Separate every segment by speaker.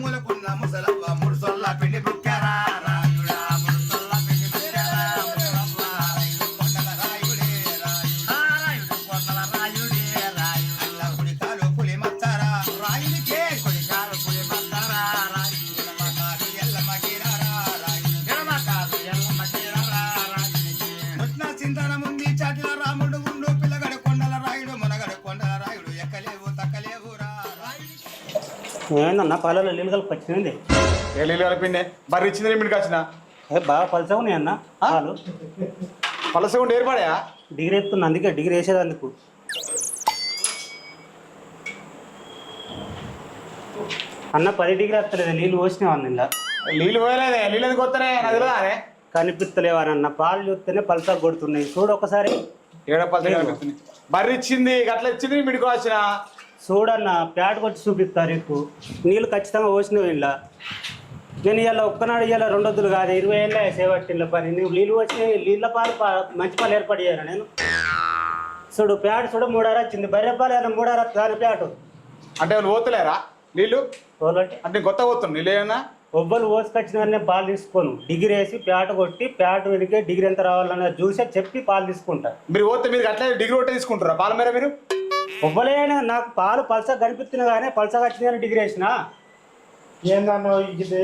Speaker 1: మూలకున్న ముసలవ్వ ముడుసొల్ల పిండి బుక్కారా రాయుడా ముడుసొల్ల పిండి బుక్కారా కొండల రాయుడే రాయుడు కొండల రాయుడే రాయుడు కుడికాలు పులి మచ్చారా రాయుడికే కుడికాలు పులి మచ్చారా రాయుడు మకాలు ఎల్లమ్మ గిరారా రాయుడు ఎడమకాలు ఎల్లమ్మ గిరారా రాయుడికి ముట్న చింతన ముందు చాటిల రాముడు ఉండు పిల్లగడ కొండల రాయుడు మునగడ కొండల రాయుడు ఎక్కలేవు తక్కలేవు రా
Speaker 2: ఏమైందన్న పాలలో నీళ్ళు కలిపి వచ్చింది.
Speaker 3: ఏ నీళ్ళు కలిపిండే బర్రె ఇచ్చింది మీకు వచ్చిన
Speaker 2: బాగా పలసగా ఉన్నాయి అన్న పాలు.
Speaker 3: పలసగా ఉండి ఏర్పడా
Speaker 2: డిగ్రీ ఎత్తున్నా, అందుకే డిగ్రీ వేసేదందుకు. అన్న 10 డిగ్రీ వస్తలేదు, నీళ్ళు పోసినావన్న ఇలా.
Speaker 3: నీళ్ళు పోయలేదే, నీళ్ళు ఎందుకు వస్తానే నాకు తెలియదానే.
Speaker 2: కనిపిస్తలేవానన్న, పాలు చూస్తేనే పలసగా కొడుతున్నాయి. చూడు ఒకసారి.
Speaker 3: ఏడో పలసగా కనిపిస్తుంది. బర్రె ఇచ్చింది గట్ల ఇచ్చింది మీకు వచ్చిన.
Speaker 2: చూడన్న ప్యాట్ కొట్టి చూపిస్తారు ఎక్కువ. నీళ్ళు ఖచ్చితంగా పోసినవి ఇలా. నేను ఇలా ఒక్కనాడు ఇలా 2 వద్దులు కాదు, 20 ఏళ్ళ సేవట్టిళ్ళ పని. నువ్వు నీళ్ళు వచ్చినాయి, నీళ్ళ పాలు మంచి పాలు ఏర్పాటు చేయాలి నేను. చూడు ప్యాట్ చూడ 3 అర వచ్చింది. బర్రె పాలు ఏమైనా 3 అర దాని ప్యాటు
Speaker 3: అంటే వాళ్ళు పోతలేరా నీళ్ళు?
Speaker 2: పోలంటే
Speaker 3: అంటే కొత్త పోతుంది నీళ్ళు ఏమన్నా
Speaker 2: ఒబ్బలు పోసుకొచ్చిన పాలు తీసుకోను. డిగ్రీ వేసి ప్యాట్ కొట్టి ప్యాట్ వెనకే డిగ్రీ ఎంత రావాలన్న చూసే చెప్పి పాలు తీసుకుంటా.
Speaker 3: మీరు పోతే మీరు అట్లా డిగ్రీ ఒకటే తీసుకుంటారా పాల మీద? మీరు
Speaker 2: ఒబ్బలేనా నాకు పాలు పలసగా కనిపిస్తున్నా కానీ పలసగా వచ్చిందని డిగ్రీ వేసిన.
Speaker 4: ఏందన్నా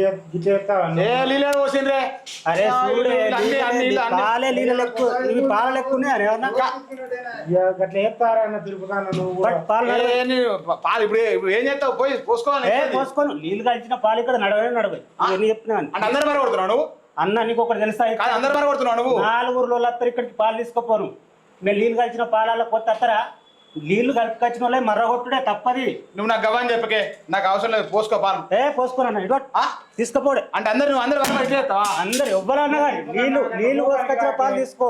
Speaker 2: అరే చూడే పాలే నీళ్ళ లెక్కు, ఇవి పాల లెక్క ఉన్నాయి.
Speaker 4: అట్లా చెప్తారా అన్న తిరుపతి నువ్వు
Speaker 3: పాలు ఇప్పుడు ఏం చేస్తావు? పోయి పోసుకోవాలి.
Speaker 2: పోసుకోను. నీళ్ళు కలిసిన పాలు ఇక్కడ నడవే ఎన్ని చెప్తున్నాను.
Speaker 3: అంటే అందరు మరి కొడుతున్నావు నువ్వు?
Speaker 2: అన్న నీకు ఒకటి తెలుసా,
Speaker 3: అందరు మరి కొడుతున్నావు నువ్వు?
Speaker 2: 4 ఊర్లో వస్తారు ఇక్కడికి పాలు తీసుకోపోను. మేము నీళ్ళు కలిసిన పాలలో కొత్త వస్తారా? నీళ్లు కలిపికొచ్చిన వాళ్ళే మర్రగొట్టుడే తప్పది.
Speaker 3: నువ్వు నాకు గవ్వని చెప్పకే, నాకు అవసరం లేదు. పోసుకో పాలు.
Speaker 2: పోసుకోనన్నా ఇటు తీసుకపోడే.
Speaker 3: అంటే అందరు నువ్వు అందరు
Speaker 2: అందరు ఎవ్వరన్నా కానీ నీళ్లు పోసుకొచ్చిన పాలు తీసుకో.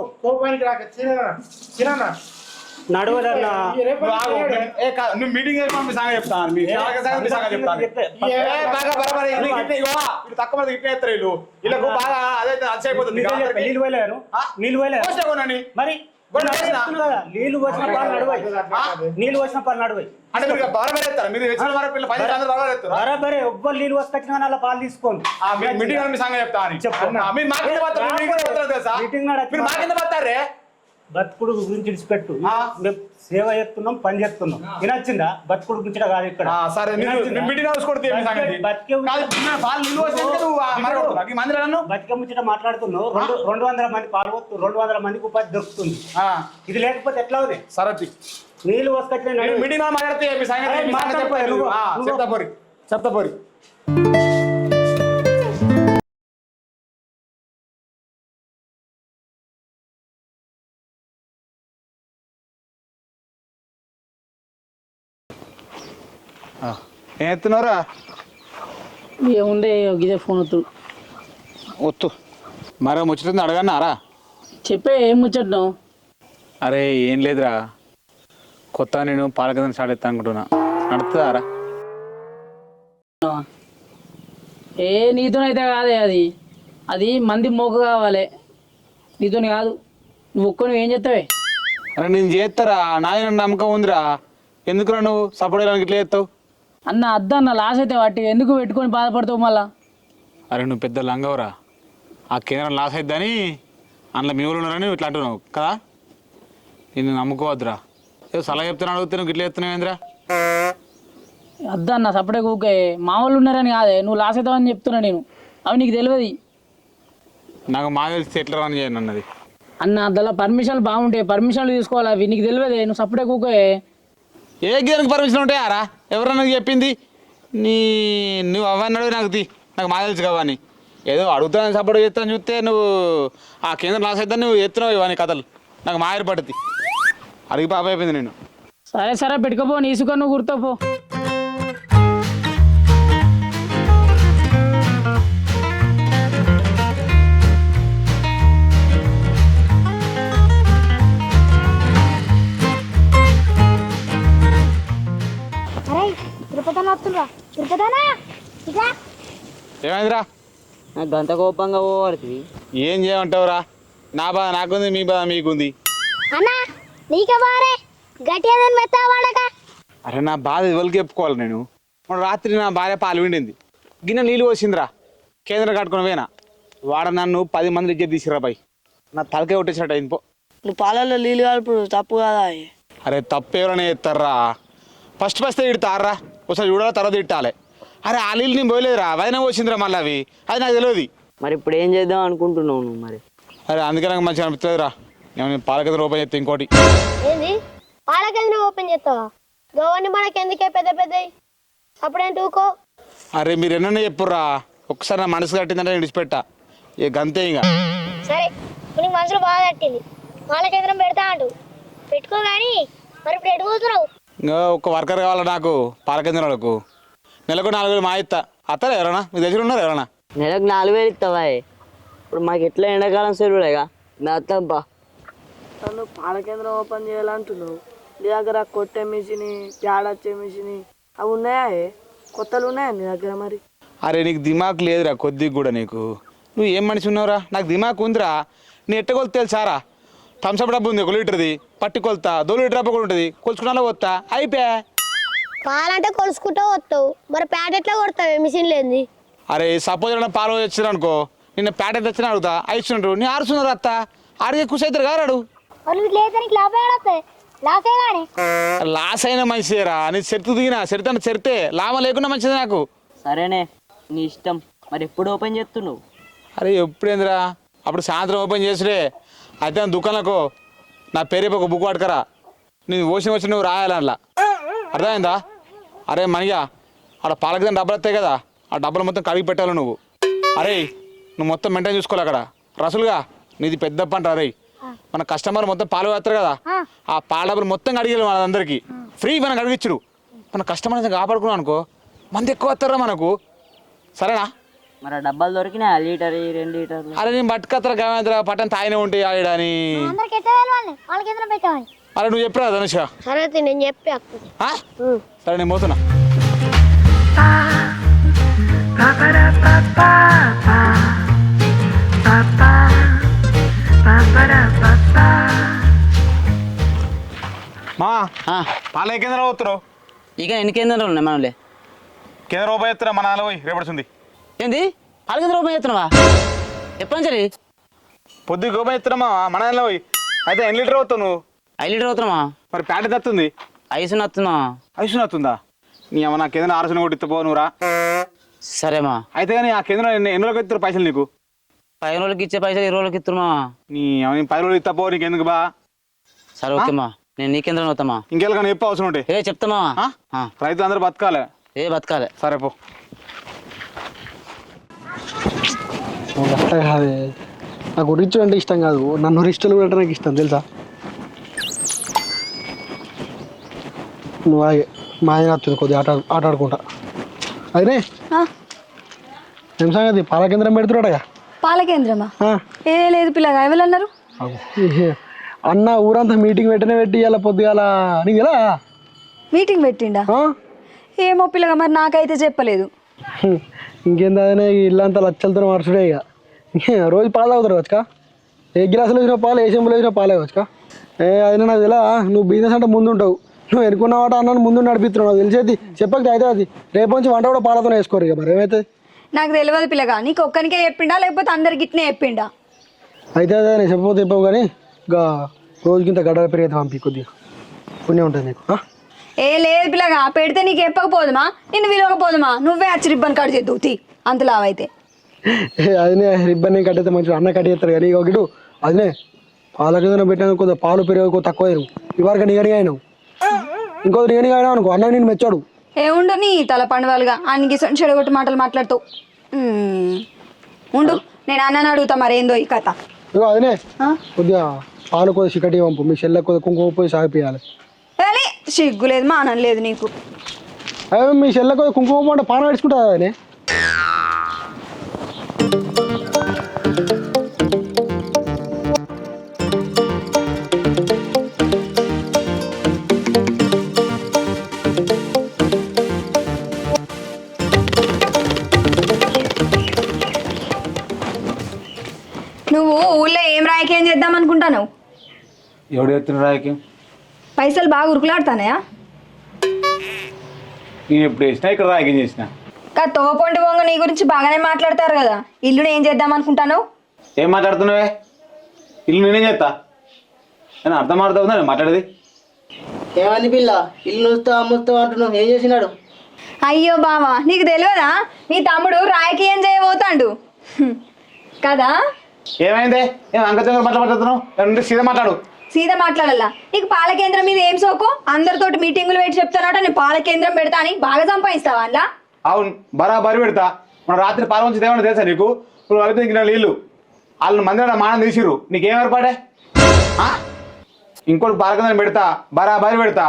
Speaker 2: నడవదన్నా
Speaker 3: నువ్వు మీటింగ్ మీ సంగతి చెప్తాను. తక్కువ ఇట్లా ఎత్తారు వీళ్ళు. వీళ్ళకు బాగా అదైతే అలసైపోతుంది.
Speaker 2: నీళ్ళు పోయలేను, నీళ్ళు పోయలేదు మరి. నీళ్ళు పోసిన పాలు నడువాయి, నీళ్ళు పోసిన పాలు నడువాయి.
Speaker 3: అంటే మీరు బరాబర్ మీరు
Speaker 2: బరాబరే ఎవ్వరు నీళ్ళు పోసుకొచ్చిన కానీ అలా పాలు తీసుకోండి.
Speaker 3: మీటింగ్ మీ సంగతి చెప్తాను. మీటింగ్
Speaker 2: బతుకుడు గురించి విడిచిపెట్టు. సేవ చేస్తున్నాం, పని చేస్తున్నాం. వినొచ్చిందా? బతుకుడు గురించి కాదు ఇక్కడ. బతిక ముచ్చట మాట్లాడుతున్నావు. 200 మంది పాల్గొత్తు, 200 మందికి ఉపాధి దొరుకుతుంది. ఇది లేకపోతే ఎట్లా ఉంది?
Speaker 3: సరే
Speaker 2: నీళ్ళు వసుకొచ్చిన
Speaker 3: చెప్తాపోరి. ఏం ఎత్తున్నారా?
Speaker 5: ఏముండే ఇదే ఫోన్
Speaker 3: వత్తు మరో ముచ్చట అడగన్నారా?
Speaker 5: చెప్పే ఏం ముచ్చట్ను?
Speaker 3: అరే ఏం లేదురా, కొత్త నేను పాలకదని స్టార్ట్ ఎత్తా అనుకుంటున్నా. నడుతుందారా?
Speaker 5: నీతోనైతే కాదే, అది మంది మోక కావాలి, నీతోని కాదు. నువ్వు ఒక్కని ఏం చేస్తావే?
Speaker 3: అరే నేను చేస్తారా, నాయన నమ్మకం ఉందిరా. ఎందుకురా నువ్వు సపోర్ట్ చేయడానికి ఇట్లా చేస్తావు?
Speaker 5: అన్న అద్దన్న లాస్ అయితే వాటి ఎందుకు పెట్టుకొని బాధపడతావు మళ్ళా?
Speaker 3: అరే నువ్వు పెద్ద లంగవరా, ఆ కేంద్రం లాస్ అయిద్దని అందులో మీ ఊళ్ళు ఉన్నారని ఇట్లా అంటున్నావు కదా. నేను నమ్ముకోవద్దురా. ఏదో సలహా చెప్తాను అడిగితే నువ్వు ఇట్లా చెప్తున్నావు ఏంద్రా?
Speaker 5: అద్దన్న సపడే కూకే, మా వాళ్ళు ఉన్నారని కాదే, నువ్వు లాస్ అవుతావని చెప్తున్నా నేను. అవి నీకు తెలియదు.
Speaker 3: నాకు మా తెలిసి ఎట్లా రన్ చేయను అన్నది.
Speaker 5: అన్న అందులో పర్మిషన్లు బాగుంటాయి, పర్మిషన్లు తీసుకోవాలి. అవి నీకు తెలియదే, నువ్వు సపడే కూకే.
Speaker 3: ఏ గేదెనికి పర్మిషన్ ఉంటాయారా? ఎవరన్నా చెప్పింది? నువ్వు అవన్నీ నాకు నాకు మా తెలుసు కావని. ఏదో అడుగుతాను సపోర్ట్ చేస్తాను చూస్తే నువ్వు ఆ కేంద్రం లాస్ అవుతాను నువ్వు ఎత్తున్నావు ఇవన్నీ కథలు. నాకు మా ఏర్పడుతుంది. అడిగి పాప అయిపోయింది నేను.
Speaker 5: సరే పెట్టుకోపో, నీ ఇసుక నువ్వు గుర్తుపో.
Speaker 3: ఏమైందిరా?
Speaker 5: గంత కోపంగా పోవడుతుంది.
Speaker 3: ఏం చేయమంటావురా? నా బాధ నాకుంది, మీ బాధ మీకుంది. అరే నా బాధ ఎవరికి చెప్పుకోవాలి నేను? రాత్రి నా భార్య పాలు విండింది. గిన్నె నీళ్ళు పోసిందిరా కేంద్రం కట్టుకుని పోయినా వాడ నన్ను 10 మంది ఇజ్జత్ తీసిరా బాయ్ నా తలకే కొట్టేసినట్టు అయింది పో.
Speaker 6: నువ్వు పాలల్లో నీళ్ళు కలుపుడు తప్పు కదా.
Speaker 3: అరే తప్పు ఎవరైనా చేస్తారా ఫస్ట్ తిడతారా ఒకసారి చూడాలి తర్వాత తిట్టాలి. అరే ఆ నీళ్ళు నేను పోయలేదురా వదిన పోసిందిరా మళ్ళీ అవి అది నాకు తెలియదు.
Speaker 6: మరి ఇప్పుడు ఏం చేద్దాం అనుకుంటున్నావు నువ్వు మరి?
Speaker 3: అరే అందుకే నాకు మంచిగా అనిపిస్తుందిరా నేను పాల కేంద్రం ఓపెన్ చేస్తే ఇంకోటి.
Speaker 7: ఏంది పాల కేంద్రం ఓపెన్ చేస్తావా? గవర్నమెంట్ మనకి ఎందుకే పెద్ద పెద్దవి అప్పుడేంటి ఊకో.
Speaker 3: అరే మీరు ఎన్నన్నా చెప్పుర్రా ఒకసారి నా మనసు కట్టిందంటే నేను విడిచిపెట్టా ఇక గంతే ఇంకా.
Speaker 7: సరే నీకు మనసులో బాగా తట్టింది పాల కేంద్రం పెడతా అంటూ పెట్టుకో కానీ మరి ఇప్పుడు ఎటు పోతున్నావు?
Speaker 3: ఇంకా ఒక వర్కర్ కావాలా నాకు పాల కేంద్రాలకు నెలకు 4,000 మా ఇస్తా అత్తారా ఎవరన్నా మీ దగ్గర ఉన్నారు ఎవరన్నా?
Speaker 6: నెలకు 4,000 ఇస్తావా? ఇప్పుడు మాకు ఎట్లా ఎండాకాలం సెలవులేగా మేస్తాంపా. నన్ను పాల కేంద్రం ఓపెన్ చేయాలంటున్నావు. నీ దగ్గర కొట్టే మిషన్ ప్యాడొచ్చే మిషన్ అవి ఉన్నాయా? కొత్తలు ఉన్నాయా నీ దగ్గర మరి?
Speaker 3: అరే నీకు దిమాక్ లేదురా కొద్దిగా కూడా నీకు నువ్వు ఏం మనిషి ఉన్నావురా? నాకు దిమాక్ ఉందిరా. నీ ఎట్ట కొలుతా తెలుసారా? థమ్సప్ డబ్బు ఉంది 1 లీటర్ది పట్టి కొలుతా 2 లీటర్ డబ్బు కూడా ఉంటుంది కొలుచుకున్నా పోతా అయిపోయా.
Speaker 7: పాలంటే కొలుసుకుంటూ వస్తావు మరి ప్యాట్ ఎట్లా కొడతావు మిషన్ లేని?
Speaker 3: అరే సపోజ్ ఏమైనా పాలు వచ్చినా అనుకో నిన్న ప్యాకెట్ తెచ్చినా అడుగుతా అయిస్తున్నారు నీ ఆరుస్తున్నారు అత్త ఆడిగే ఖుషి అవుతారు కారాడు. లాస్ అయినా మంచిదేరా నీ చెరుతు దిగినా చెరితే చెరితే లాభం లేకుండా మంచిది నాకు.
Speaker 6: సరేనే నీ ఇష్టం. మరి ఎప్పుడు ఓపెన్ చేస్తున్నావు?
Speaker 3: అరే ఎప్పుడేందిరా అప్పుడు సాయంత్రం ఓపెన్ చేసుడే అయితే దుకాణంలో నా పేరు ఒక బుక్ పట్టుకరా నేను వచ్చిన నువ్వు రాయాలి అట్లా అర్థమైందా? అరే మనయ్య ఆడ పాలకి డబ్బులు వస్తాయి కదా ఆ డబ్బులు మొత్తం కడిగి పెట్టాలి నువ్వు. అరే నువ్వు మొత్తం మెయింటైన్ చూసుకోవాలి అక్కడ రసులుగా నీది పెద్ద పంట. అరే మన కస్టమర్ మొత్తం పాలు వేస్తారు కదా ఆ పాల డబ్బులు మొత్తం కడిగేది మన అందరికీ ఫ్రీ మనం కడిగిచ్చుడు. మన కస్టమర్ కాపాడుకున్నాం అనుకో మంది ఎక్కువ వస్తారా మనకు సరేనా?
Speaker 6: మరి డబ్బాలు దొరికినా లీటర్ 2 లీటర్లు?
Speaker 3: అరే నేను పట్టుకత్తరా గవేంద్ర పట్టణం తాయినే ఉంటాయి ఆడని. అరే నువ్వు చెప్పరా ధనుష?
Speaker 7: సరే నేను చెప్పి
Speaker 3: సరే నేను పోతున్నా. మా పాల కేంద్రం పోతున్నావు?
Speaker 6: ఇక ఎన్ని కేంద్రాలు ఉన్నాయి మనలే?
Speaker 3: కేంద్రం రూపాయి ఎత్తున్నా మన నాలో పోయి రేపడుతుంది.
Speaker 6: ఏంది పాల కేంద్రం ఓపెన్ చేస్తున్నావా? ఎప్పటి నుంచి?
Speaker 3: పొద్దు రూపాయి ఎత్తున్నామా మన దానిలో పోయి. అయితే ఎన్ని లీటర్ అవుతావు నువ్వు?
Speaker 6: 5 లీటర్ అవుతున్నామా?
Speaker 3: మరి ప్యాకెట్ వస్తుంది
Speaker 6: ఐసు నత్తున్నా.
Speaker 3: ఐసు వస్తుందా? నీ అమ్మ నా కేంద్రం 6 కొట్టిస్తా పో నువ్వురా.
Speaker 6: సరేమా.
Speaker 3: అయితే కానీ ఆ కేంద్రం ఎన్ని రోజులకు ఇస్తారు పైసలు నీకు?
Speaker 6: 10 రోజులకి ఇచ్చే పైసలు 20 రోజులకి ఇస్తున్నా.
Speaker 3: నీ 10 రోజులు ఇస్తా పో నీకు ఎందుకు బా.
Speaker 6: సరే ఓకేమా నేను నీ కేంద్రం అవుతామా?
Speaker 3: ఇంకెళ్ళకన్నా చెప్పు అవసరం ఉంటే.
Speaker 6: చెప్తామా?
Speaker 3: రైతులు అందరూ బతకాలి.
Speaker 6: బతకాలి.
Speaker 3: సరే పో.
Speaker 4: అట్లా కాదే నాకు రిచ్ అంటే ఇష్టం కాదు నన్ను రిచ్లు కూడా నాకు ఇష్టం తెలుసా? నువ్వు మా ఆయన వస్తుంది కొద్దిగా ఆట ఆడుకుంటా. అదే ఏం సంగతి పాల కేంద్రం పెడుతున్నాడగా?
Speaker 8: పాల కేంద్రమా? ఏ లేదు పిల్లగా ఎవరన్నారు?
Speaker 4: అన్న ఊరంతా మీటింగ్ పెట్టి ఇలా పొద్దుగాల నీకు ఎలా
Speaker 8: మీటింగ్ పెట్టిండా? ఏమో పిల్లగా మరి నాకైతే చెప్పలేదు.
Speaker 4: ఇంకేందా ఇల్లంతా లచ్చలతో మార్చుడే ఇక రోజు పాలు తాగుతారు వచ్చుకా ఏ గిలాసులు వేసిన పాలు ఏ చెంబులు వేసిన పాలే వచ్చుకా. అది నాకు ఎలా నువ్వు బిజినెస్ అంటే ముందు ఉంటావు నువ్వు ఎన్నుకున్నావాట అన్నాను ముందు నడిపిస్తున్నావు నాకు తెలిసేది చెప్పక అయితే అది రేపు నుంచి వంట కూడా పాలతోనే వేసుకోరు ఇక మరి ఏమైతే
Speaker 8: నాకు తెలియదు పిల్లగా నీకు ఒక్కనికే చెప్పిండా లేకపోతే అందరికి ఇట్నే చెప్పిండా?
Speaker 4: అయితే అదే నేను చెప్పకపోతే చెప్పావు కానీ ఇంకా రోజుకింత గడ్డల పెరిగితే పంపి కొద్దిగా పుణ్యం ఉంటుంది నీకు.
Speaker 8: ఏ లేదు పిల్లగా పెడితే నీకు చెప్పకపోదుమా నిన్ను విలువకపోదుమా నువ్వే వచ్చి రిబ్బన్ కట్ చేద్దువు తీ అంతలావైతే.
Speaker 4: అదినే రిబ్బన్ కట్టయితే మంచిగా అన్న కట్టేస్తారు కానీ ఒకటి అదినే పాల కింద పెట్టినా కొద్దిగా పాలు పెరుగు తక్కువ ఇవరకు నిగనిగా అయినావు ఇంకో నిగనిగా అయినావు అనుకో అన్న నేను మెచ్చాడు.
Speaker 8: ఏముండు నీ తల పండుగలుగా అన్నికి చెడగొట్టి మాటలు మాట్లాడుతావు. ఉండు నేను అన్నని అడుగుతా మరేందో ఈ కథ.
Speaker 4: ఇగో అదినే కొద్దిగా పాలు కొద్దిగా చికటి పంపు మీ చెల్లె కొద్దిగా కుంకుమ పోయి సాగిపోయాలి.
Speaker 8: కానీ సిగ్గు లేదు మానం లేదు నీకు.
Speaker 4: అదే మీ చెల్లె కొద్దిగా కుంకుమ అంటే పాన నడుచుకుంటుంది అదే.
Speaker 8: నువ్వు ఊళ్ళో ఏం రాయకేం చేద్దాం అనుకుంటాను?
Speaker 3: ఎవడు ఎత్తున రాయకి
Speaker 8: పైసలు బాగా ఉరుకులాడుతానయా?
Speaker 3: నేను ఎప్పుడు వేసినా ఇక్కడ రాయకేం చేసిన
Speaker 8: తోవపొండి బొంగ నీ గురించి బాగానే మాట్లాడతారు కదా ఇల్లుని ఏం చేద్దాం అనుకుంటాను?
Speaker 3: ఏం మాట్లాడుతున్నావే? ఇల్లు నేనేం చేస్తా? నేను అర్థం అవుతుందా నేను మాట్లాడేది?
Speaker 6: ఏమంది పిల్ల ఇల్లు నుస్తావు అమ్ముస్తావు అంటున్నావు, ఏం చేసినాడు?
Speaker 8: అయ్యో బావా నీకు తెలియదా నీ తమ్ముడు రాయికి ఏం చేయబోతాడు కదా?
Speaker 3: ఏమైంది? ఏం అంగతంగా మాట్లాడుతున్నావు? సీదా మాట్లాడు.
Speaker 8: సీదా మాట్లాడాలా? నీకు పాల కేంద్రం మీద ఏం సోకు? అందరితోటి మీటింగులు పెట్టి చెప్తానట నేను పాల కేంద్రం పెడతా అని. బాగా సంపాదిస్తావా అందులో?
Speaker 3: అవును, బరాబరి పెడతా. మన రాత్రి పాల నుంచి ఏమన్నా తెలుసా నీకు? నువ్వు కలిపి ఇంక నీళ్ళు వాళ్ళు మంది మానం తీసిర్రు, నీకేం ఏర్పాడే? ఇంకోటి పాల కేంద్రం పెడతా, బరాబరి పెడతా.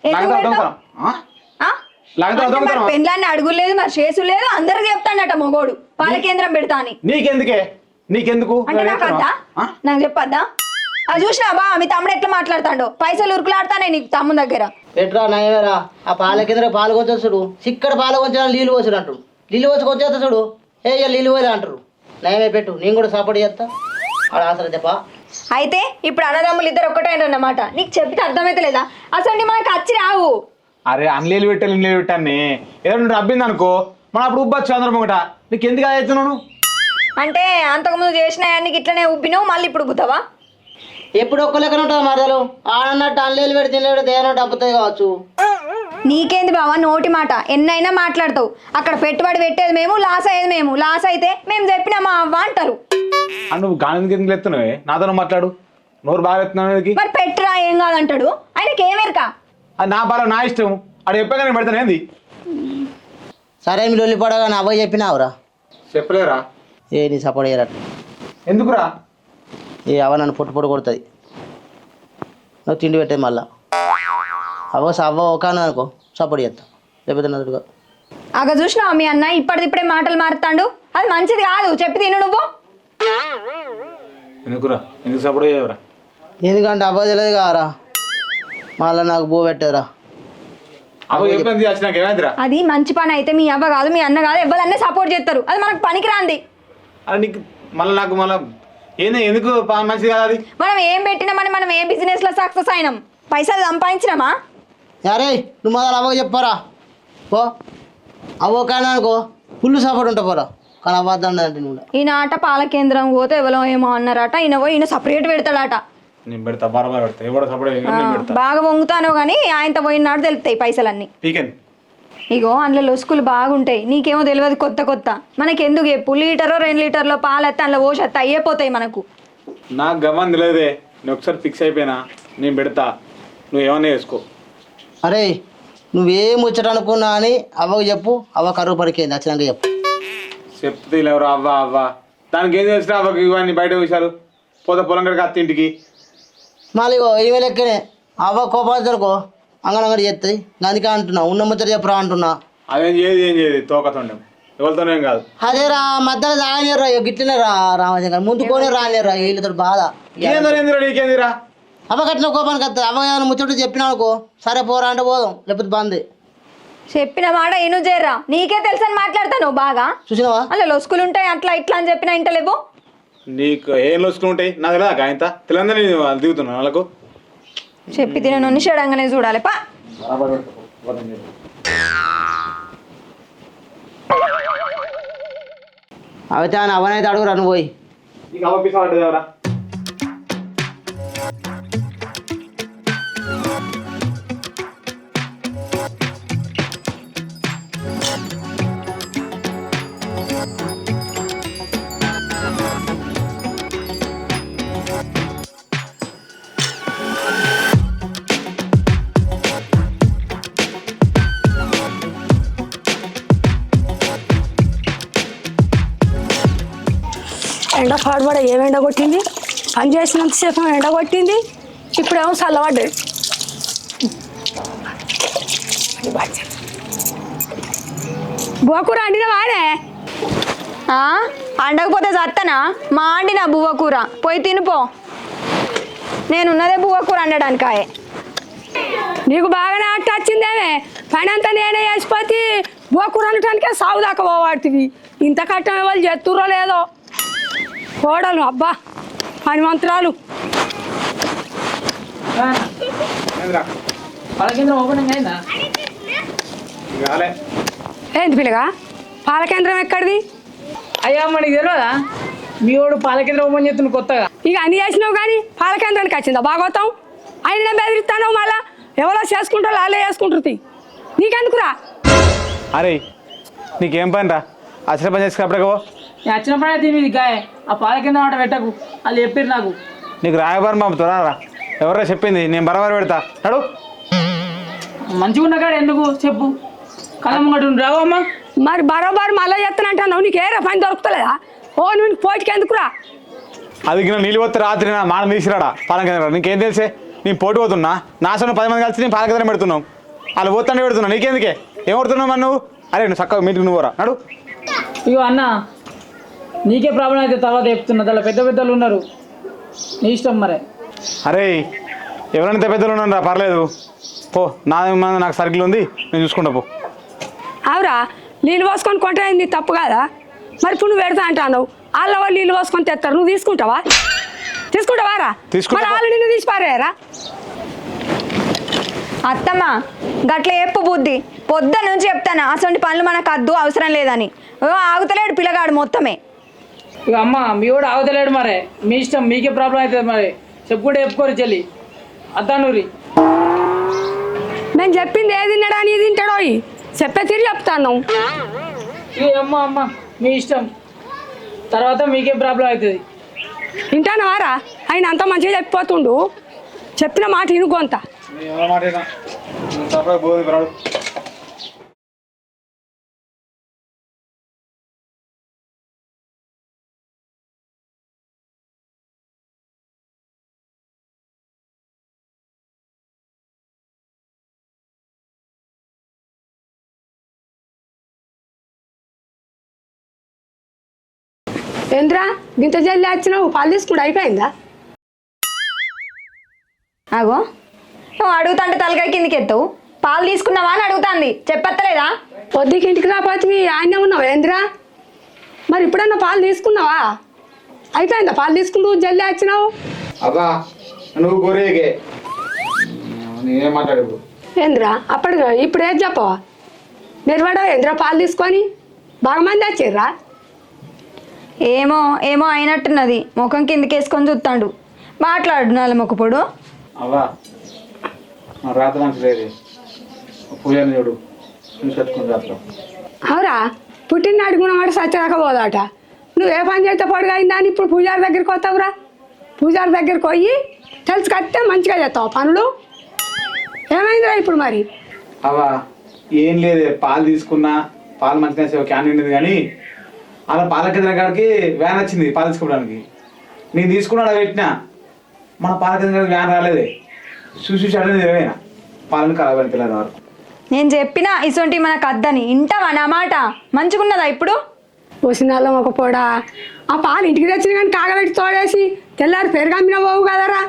Speaker 8: పెళ్ళాన్ని అడుగులేదు మరి చేసు లేదు, అందరికి చెప్తాడట మొగోడు పాల కేంద్రం పెడతా అని.
Speaker 3: నీకెందుకు
Speaker 8: అంటే నాకు వద్దా? నాకు చెప్పద్దా? అది చూసినా బా మీ తమ్ముడు ఎట్లా మాట్లాడతాడో, పైసలు ఉరుకులాడతానే నీకు తమ్ముడు దగ్గర.
Speaker 6: ఎట్రా నయమేరా ఆ పాల కింద పాలు కొంచెడు, సిక్కడ పాలు కొంచెం నీళ్ళు పోసాడు అంటారు, నీళ్ళు పోసి కొంచెం చూడు ఏ నీళ్ళు పోయలే అంటారు. నయమే పెట్టు, నేను కూడా సపోర్ట్ చేస్తా. ఆడ ఆసరా చెప్పా.
Speaker 8: అయితే ఇప్పుడు అన్నదమ్ములు ఇద్దరు ఒక్కటైనమాట, నీకు చెప్తే అర్థమైతే లేదా? అసలు మనకు వచ్చి రావు.
Speaker 3: అరే అన్లీలు పెట్టాలి ఇన్లీలు పెట్టాన్ని ఏదో నువ్వు అబ్బింది అనుకో, మనం అప్పుడు ఉబ్బచ్చు అందరం ఒకట. నీకు ఎందుకు అవుతున్నావు?
Speaker 8: అంటే అంతకుముందు చేసిన నీకు ఇట్లనే ఉబ్బినావు, మళ్ళీ ఇప్పుడు ఉబ్బుతావా?
Speaker 6: ఎప్పుడు ఒక్క లెక్కన ఉంటుంది మరదలు, ఆడన్నట్టు అన్లీలు పెడితే దేనట్టు అబ్బుతాయి కావచ్చు.
Speaker 8: నీకేంది బావా నోటి మాట, ఎన్నైనా మాట్లాడతావు. అక్కడ పెట్టుబడి పెట్టేది మేము, లాస్ అయ్యేది మేము. లాస్ అయితే మేము చెప్పినా మా అవ్వ అంటారు.
Speaker 3: నువ్వు గాలి ఎందుకు ఎత్తున్నావే? నాతో మాట్లాడు, నోరు బాగా ఎత్తున్నావు.
Speaker 8: మరి పెట్టురా ఏం కాదంటాడు, ఆయనకి ఏమేరక?
Speaker 3: అది నా బాగా నా ఇష్టం, అది చెప్పాక నేను పెడతాను. ఏంది?
Speaker 6: సరే మీరు వెళ్ళిపోవడా నా అబ్బాయి చెప్పినావురా?
Speaker 3: చెప్పలేరా?
Speaker 6: ఏ నీ సపోర్ట్ చేయరట.
Speaker 3: ఎందుకురా?
Speaker 6: ఏ అవ్వ నన్ను పొట్టు కొడుతుంది, నువ్వు తిండి పెట్టేది మళ్ళా. అవ్వ ఒక అనుకో సపోర్ట్ చేస్తా, లేకపోతే నదుడుగా.
Speaker 8: అగ చూసినావా మీ అన్న ఇప్పటిదిప్పుడే మాటలు మారుతాడు, అది మంచిది కాదు. చెప్పి తిను నువ్వు.
Speaker 3: ఎందుకురా? ఎందుకు సపోర్ట్ చేయవరా?
Speaker 6: ఎందుకంటే అవ్వ తెలియదు కారా, మళ్ళీ నాకు బో పెట్టారా.
Speaker 8: అది మంచి పని అయితే మీ అవ్వ కాదు మీ అన్న కాదు ఎవరన్నా సపోర్ట్ చేస్తారు, అది మనకు పనికి రాంది.
Speaker 3: నీకు మళ్ళీ నాకు మళ్ళీ ఏంది ఎందుకు మంచిది కాదు? అది
Speaker 8: మనం ఏం పెట్టినామని మనం ఏ బిజినెస్ లో సక్సెస్ అయినాం, పైసలు సంపాదించినామా?
Speaker 6: అరే నువ్వు మొదలు అవ్వకు చెప్పారా పో, అవ్వ కానీ అనుకో ఫుల్ సపోర్ట్ ఉంటా పోరా. కానీ అవ్వద్దండి అంటే నువ్వు
Speaker 8: ఈయన ఆట పాల కేంద్రం పోతే ఎవరో ఏమో అన్నారట, ఈయన పోయి ఈయన సపరేట్ పెడతాడట.
Speaker 3: నేను పెడతా, బరాబర్ పెడతా. ఎవడో సపోర్ట్
Speaker 8: బాగా వంగుతానో కానీ ఆయనతో పోయినాడు తెలుస్తాయి పైసలన్నీ. ఇగో అందులో లొసుకులు బాగుంటాయి, నీకేమో తెలియదు కొత్త కొత్త. మనకెందుకు చెప్పు, లీటరో 2 లీటర్లో పాలు వస్తే అందులో పోసేస్తే అయ్యిపోతాయి మనకు.
Speaker 3: నాకు గమని తెలియదే, నేను ఒకసారి ఫిక్స్ అయిపోయినా, నేను పెడతా, నువ్వు ఏమన్నా చేసుకో.
Speaker 6: అరే నువ్వేం ముచ్చట అనుకున్నా అని అవ్వకు చెప్పు, అవ్వ కరువు పడికేంది వచ్చినాక చెప్పు.
Speaker 3: చెప్తే ఎవరు అవ్వ దానికి ఏం చేసినా అవ్వకి ఇవన్నీ బయట విషయాలు. పోతే పొలం కడికి అత్త ఇంటికి
Speaker 6: మళ్ళీ ఈమె లెక్కనే అవ్వ కోపాలనుకో అంగనంగడి చేస్తుంది. అందుకే అంటున్నా ఉన్న ముచ్చట చెప్పురా అంటున్నా.
Speaker 3: అదేం చేయదు తోకతుండే ఎవరితోనేం కాదు.
Speaker 6: అదే రా మధ్యలో రానిరా గిట్లనే రా రామచంద్ర ముందుకోనే రానిరా వీళ్ళతో బాధ.
Speaker 3: నీకేందిరా?
Speaker 6: అవ్వ కట్టిన కోపానికి వస్తుంది. అవ్వ ఏమైనా ముచ్చట చెప్పినా అనుకో సరే పోరా అంటే పోదాం, లేకపోతే బంద్.
Speaker 8: చెప్పిన మాట ఇను చేర్రా, నీకే తెలుసని మాట్లాడతాను బాగా.
Speaker 6: చూసినావా
Speaker 8: అలా లొసుకులు ఉంటాయి అట్లా ఇట్లా అని చెప్పినా ఇంటలేవు.
Speaker 3: నీకు ఏం లొసుకులు ఉంటాయి నాకు తెలియదా? ఆయన తెలియదని దిగుతున్నా వాళ్ళకు
Speaker 8: చెప్పి తినను షడంగానే చూడాలి పా.
Speaker 6: అయితే ఆయన అవనైతే అడుగురా నువ్వు పోయి.
Speaker 3: నీకు అవరా
Speaker 9: ఎండ పాడుబడ ఏం ఎండ కొట్టింది, పని చేసినంతసేపు ఎండ కొట్టింది, ఇప్పుడేమో చల్లబడ్డాడు. బువ్వకూర అండిన వాడే
Speaker 8: అండకపోతే చత్తనా? మా అండి నా బువ్వకూర పోయి తినిపో. నేనున్నదే బువ్వకూర అండడానికాయే.
Speaker 9: నీకు బాగానే అట్ట వచ్చిందేమే, పని అంతా నేనే వేసిపోతే బువ్వకూర అనటానికే సాగు దాకా పోవాడుతుంది. ఇంత కట్టం వాళ్ళు చేస్తుర్రో లేదో కోడలు అబ్బా పని మంత్రాలు.
Speaker 5: పాల కేంద్రం ఓపెనింగ్ అయిందా?
Speaker 9: ఏంది పిల్లగా పాల కేంద్రం ఎక్కడిది?
Speaker 5: అయ్యా మనకి తెలియదా మీ వాడు పాల కేంద్రం ఓపెన్ చేస్తున్న కొత్తగా.
Speaker 9: ఇక అన్ని చేసినావు కానీ పాల కేంద్రానికి వచ్చిందా భాగవతం? ఆయన బెదిరిస్తాను మళ్ళా ఎవరో చేసుకుంటారు వాళ్ళే చేసుకుంటుంది. నీకెందుకురా?
Speaker 3: అరే నీకేం పని రా అచ్చిన పని చేసుకున్నప్పుడే
Speaker 5: నేను వచ్చినప్పుడే తిని గాయ ఆ పాల కేంద్రం ఆట పెట్టకు, వాళ్ళు చెప్పారు నాకు.
Speaker 3: నీకు రాయబారం పంపుతురా రా. ఎవరో చెప్పింది, నేను బరాబర్ పెడతా. నడు.
Speaker 5: మంచిగా ఉన్న కాడ ఎందుకు చెప్పు, కళ్ళ ముంగట రావు అమ్మా.
Speaker 9: మరి బరోబరు మళ్ళీ చెప్తానంటున్నావు, నీకు ఏరే పని దొరుకుతలేదా? ఓ నువ్వు పోటీకి ఎందుకురా?
Speaker 3: అది నీళ్ళు పోతే రాత్రి నా మానం తీసిరాడా పాలన కేంద్రం. నీకేం తెలిసే? నేను పోటీ పోతున్నా, నాశనం 10 మంది కలిసి నేను పాల కేంద్రం పెడుతున్నావు. వాళ్ళు పోతానే పెడుతున్నా, నీకెందుకే? ఏం కొడుతున్నావు మరి నువ్వు? అరే నువ్వు చక్కగా మీటింగ్ నువ్వు రా. నడు.
Speaker 5: ఇగో అన్న నీకే ప్రాబ్లం అయితే తర్వాత చెప్తున్నా, అలా పెద్ద పెద్దలు ఉన్నారు, నీ ఇష్టం మరే.
Speaker 3: అరే ఎవరైనా పెద్దలు ఉన్నాను రా, పర్లేదు పో. నాకు సర్కిల్ ఉంది, నేను చూసుకుంటా పో.
Speaker 9: అవురా నీళ్ళు పోసుకొని కొంటైంది తప్పు కాదా? మరి ఇప్పుడు నువ్వు పెడతా అంటావు, వాళ్ళ వాళ్ళు నీళ్ళు పోసుకొని తెస్తారు, నువ్వు తీసుకుంటావా? తీసుకుంటావారా? మరి వాళ్ళు నిన్ను తీసి పారేరా?
Speaker 8: అత్తమ్మ గట్ల చెప్పు బుద్ధి, పొద్దు నుంచి చెప్తాను అసలు పనులు మనకు అద్దు అవసరం లేదని. ఆగుతలేడు పిల్లగాడు మొత్తమే.
Speaker 5: ఇక అమ్మ మీ వాడు ఆగుతలేడు మరే, మీ ఇష్టం, మీకే ప్రాబ్లం అవుతుంది మరి. చెప్పుకుంటే చెప్పుకోరు చెల్లి అద్దానూరి.
Speaker 9: నేను చెప్పింది ఏది తిన్నాడా నీ తింటాడో చెప్పే తిరిగి చెప్తాను.
Speaker 5: ఇక అమ్మ మీ ఇష్టం, తర్వాత మీకే ప్రాబ్లం అవుతుంది.
Speaker 9: వింటాను వారా? ఆయన అంత మంచిగా చెప్పిపోతుండు, చెప్పిన మాట వినుకోంత. ఏంద్రా గింత జల్లి వచ్చినావు, పాలు తీసుకుంటూ అయిపోయిందా?
Speaker 8: ఆగో నువ్వు అడుగుతాంటే తలకాయ కిందికి ఎత్తావు. పాలు తీసుకున్నావా అని అడుగుతాంది, చెప్పత్తలేదా?
Speaker 9: పొద్దుకి ఇంటికి రాపోతే ఆయనే ఉన్నావు ఏంద్రా? మరి ఇప్పుడన్నా పాలు తీసుకున్నావా? అయిపోయిందా పాలు తీసుకుంటూ జల్లి వచ్చినావు?
Speaker 3: అబ్బా నువ్వు గొర్రెకే నేనేం మాట్లాడు
Speaker 9: ఏంద్రా అప్పటికి ఇప్పుడు ఏది చెప్పవా? నిర్వాడా ఏంద్రా పాలు తీసుకొని? బాగా మంది వచ్చిర్రా?
Speaker 8: ఏమో ఏమో అయినట్టున్నది, ముఖం కిందికి వేసుకొని చూస్తాడు. మాట్లాడు నాల మొక్కపొడు.
Speaker 3: అవ్వా రాత్రి మంచి లేదు, పూజని చూడు చూసుకొచ్చుకుని రాత్రం.
Speaker 9: అవురా పుట్టినాడు కూడా మాట సచ్చరాకపోదాట. నువ్వు ఏ పని చేస్తే పొడుగు అయిందా అని ఇప్పుడు పూజారి దగ్గరికి వస్తావురా? పూజారి దగ్గరికి పోయి తెలుసు కట్టే మంచిగా చేస్తావు పనులు. ఏమైందిరా ఇప్పుడు మరి?
Speaker 3: అవ్వా ఏం లేదు, పాలు తీసుకున్నా, పాలు మంచిగా క్యాన్ నిండింది కానీ అలా పాల కేంద్రం కాడికి వ్యాన్ వచ్చింది పాలు తీసుకోవడానికి. నేను తీసుకున్నాడు పెట్టినా, మన పాల కేంద్రం వ్యాన్ రాలేదే. చూసి అడిగింది ఏమైనా పాలను ఖరాబ్ అని పిల్లలు వరకు.
Speaker 8: నేను చెప్పినా ఇసొంటి మనకు అద్దని, ఇంటావా నా మాట? మంచిగున్నదా ఇప్పుడు?
Speaker 9: పోసినాళ్ళం ఒక పొడా ఆ పాలు ఇంటికి తెచ్చిన కానీ కాగబెట్టి తోడేసి తెల్లారి పెరుగమ్మిన పోవు కదరా.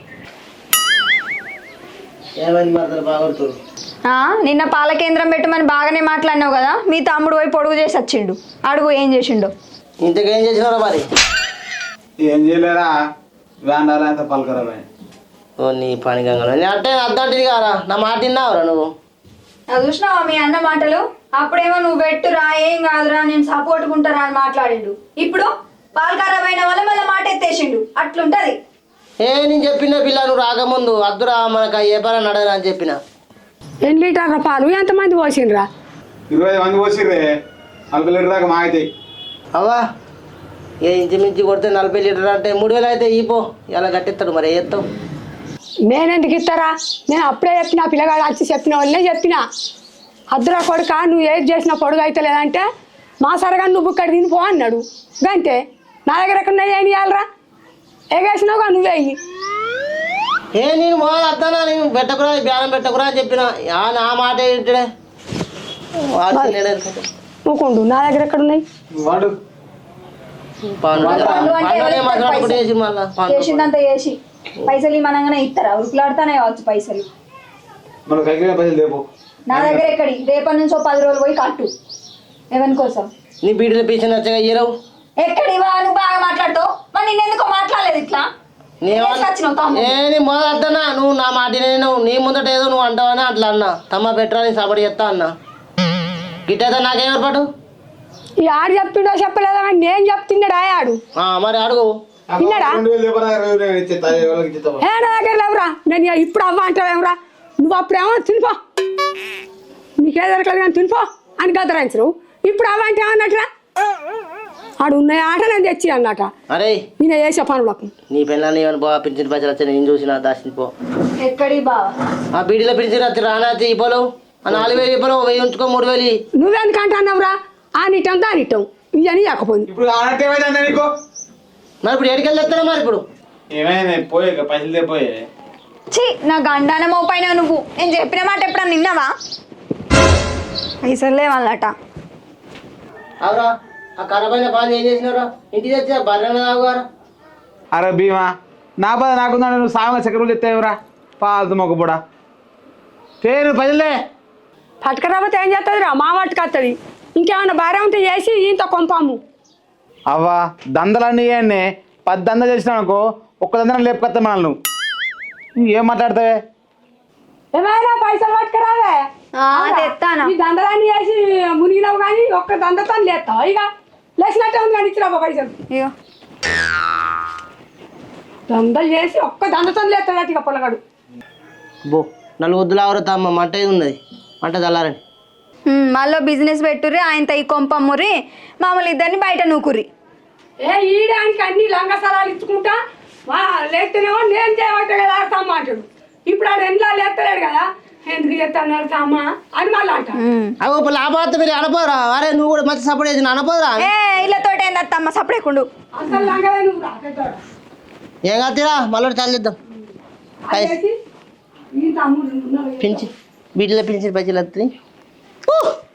Speaker 8: నిన్న పాల కేంద్రం పెట్టమని బాగానే మాట్లాడినావు కదా, మీ తమ్ముడు పోయి పొడుగు చేసి వచ్చిండు. అడుగు ఏం చేసిండు?
Speaker 6: ఇంతకేం చేసినారా మరి?
Speaker 3: ఏం చేయలేరా, వ్యాన్ రాలే, అంత పాలు ఖరాబ్ అయ్యాయి.
Speaker 6: ఓ నీ పని గంగ అంటే అద్దంటిది కారా, నా మాట విన్నావురా నువ్వు?
Speaker 8: చూసినావా మీ అన్న మాటలు? అప్పుడేమో నువ్వు పెట్టురా ఏం కాదురా నేను సపోర్ట్ ఉంటారా అని మాట్లాడిండు. ఇప్పుడు పాలు ఖరాబ్ అయిన వల్ల మళ్ళీ మాట ఎత్తేసిండు. అట్లుంటది.
Speaker 6: నేను చెప్పిన పిల్ల నువ్వు రాకముందు అద్దురా మనకు ఏ పని నడరా అని చెప్పిన.
Speaker 9: ఎన్ని లీటర్ల పాలు ఎంతమంది పోసిండ్రా?
Speaker 3: 20 మంది పోసిర్రే, 40 లీటర్ దాకా మా అవుతాయి.
Speaker 6: అవ్వా ఏ ఇంచుమించు కొడితే 40 లీటర్ అంటే 3000 అయితే ఇపో, ఇలా కట్టిస్తాడు మరి ఏ ఎత్తావు?
Speaker 9: నేనెందుకు ఇస్తారా? నేను అప్పుడే చెప్పిన, పిల్లగాడు వచ్చి చెప్పిన వాళ్ళే చెప్పిన, అద్దురా కొడుక నువ్వు ఏది చేసినా పొడుగు అయితే లేదంటే మా సరగా నువ్వు ఇక్కడ తినిపో అన్నాడు. గంతే, నా దగ్గర ఎక్కడ ఏం ఇవ్వాలరా? ఎగేసినావుగా నువ్వే అయ్యి.
Speaker 6: నేను మొదలు అద్దానా, నేను పెట్టకురా బ్యానం పెట్టకురా అని చెప్పిన, నా మాట ఏంటే
Speaker 9: ఊకుండు. నా దగ్గర ఎక్కడ ఉన్నాయి?
Speaker 8: చేసిందంతా చేసి పైసలు మనగానే ఇస్తారా? ఉరుకులాడుతానే కావచ్చు పైసలు. నా దగ్గర ఎక్కడి? రేపటి నుంచి 10 రోజులు పోయి కట్టు. ఎవరి కోసం?
Speaker 6: నీ బీడీలో పీసిన వచ్చగా ఇయ్యరావు.
Speaker 8: ఎక్కడివా? నువ్వు బాగా మాట్లాడుతావు, మరి నిన్నెందుకో మాట్లాడలేదు ఇట్లా.
Speaker 6: నేను మొదలు అద్దనా, నువ్వు నా మాట నేను నీ ముందట ఏదో నువ్వు అంటావని అట్లా అన్నా. తమ్మ పెట్టరా నీ సపడి చెప్తా అన్నా. గిట్టయితే నాకేం ఏర్పాటు?
Speaker 9: ఈ ఆడు చెప్పిండో చెప్పలేదా కానీ నేను చెప్తున్నాడు ఆడు
Speaker 6: మరి అడుగు
Speaker 9: విన్నాడా ఏ నా దగ్గర లేవురా నేను ఇప్పుడు అవ్వ అంటావేమరా నువ్వు అప్పుడేమో తినిపో నీకే దొరకలేదు కానీ తినిపో అని గదరాయించరు ఇప్పుడు అవ్వ అంటే ఏమన్నట్రా ఆడు ఉన్న ఆట నేను తెచ్చి అన్నట
Speaker 6: అరే
Speaker 9: నేను చేసే పనులకు
Speaker 6: నీ పెళ్ళాన్ని ఏమైనా బాగా పింఛన్ పైసలు వచ్చా నేను చూసిన దాచిపో
Speaker 8: ఎక్కడి బావ
Speaker 6: ఆ బీడీలో పింఛన్ వచ్చి రానా ఇవ్వలు 4000 ఇవ్వలు 1000 ఉంచుకో 3000
Speaker 9: నువ్వెందుకంటే అన్నావురా ఆ నిట్టం దానిట్టం ఇవన్నీ కాకపోయింది
Speaker 3: ఇప్పుడు ఆనట్టు ఏమైందండి నీకు
Speaker 6: మరి ఇప్పుడు ఎక్కడికి వెళ్తారా మరి ఇప్పుడు
Speaker 3: ఏమైంది పోయే పైసలు పోయే
Speaker 8: ఛీ నా గండాన మోపైనా నువ్వు నేను చెప్పిన మాట ఎప్పుడన్నా నిన్నావా పైసలు లేవన్నట
Speaker 6: అవురా ఆ కరపైన పాలు ఏం చేసినారా ఇంటికి తెచ్చా బర్రెన తాగుగారా
Speaker 3: అరే భీమా నా బాధ నాకుందా నువ్వు సాగ చక్కెరలు చెప్తావురా పాలదు మొక్కపూడా పేరు పదిలే
Speaker 9: పట్టుకరాకపోతే ఏం చేస్తుంది రా మా వాటికి వస్తుంది ఇంకేమన్నా భార్య ఉంటే చేసి ఇంత కొంపాము
Speaker 3: అవ్వా దందలన్నీ ఇవన్నీ 10 దందలు చేసినావు అనుకో ఒక్క దందరం లేపుకొస్తా మనల్ని నువ్వు ఏం మాట్లాడతావే
Speaker 9: ఏమైనా పైసలు పట్టుకురావే
Speaker 8: తెస్తాను
Speaker 9: ఈ దండలన్నీ వేసి మునిగినావు కానీ ఒక్క దండతో లేస్తావు ఇక లేచినట్టే ఉంది కానీ ఇచ్చిరాబా పైసలు
Speaker 8: ఇగో
Speaker 9: దండలు చేసి ఒక్క దండతో లేస్తాడు ఇక పొలగాడు
Speaker 6: బో 4 వద్దులు ఆవరతా అమ్మ మంట ఇది ఉన్నది మంట చల్లారని
Speaker 8: మళ్ళీ బిజినెస్ పెట్టుర్రి ఆయనతో ఈ కొంపమ్మురి మామూలు ఇద్దరిని బయట నూకుర్రి
Speaker 9: ఏ ఈడానికి అన్ని లంగ స్థలాలు ఇచ్చుకుంటా లేస్తేనేమో నేను చేయబట్టే కదా ఆడతామ్మ అంటాడు ఇప్పుడు ఆడు ఎండ్లా లేస్తలేడు కదా ఎందుకు చేస్తాను అమ్మా అని మళ్ళీ అంట
Speaker 6: అవి ఇప్పుడు లాభార్త మీరు అనపోరా అరే నువ్వు కూడా మంచి సపోర్ట్ చేసి అనపోరా
Speaker 8: ఏ ఇళ్ళతో ఏందత్తమ్మ సపడేకుండు
Speaker 9: అసలు లంగలే నువ్వు రా పెద్దోడా.
Speaker 6: ఏం కాదురా మళ్ళీ చల్లిద్దాం
Speaker 9: అదేసి ఈ తమ్ముడు ఉన్నాడు.
Speaker 6: పింఛన్ వీటిలో పింఛన్ పైసలు వస్తుంది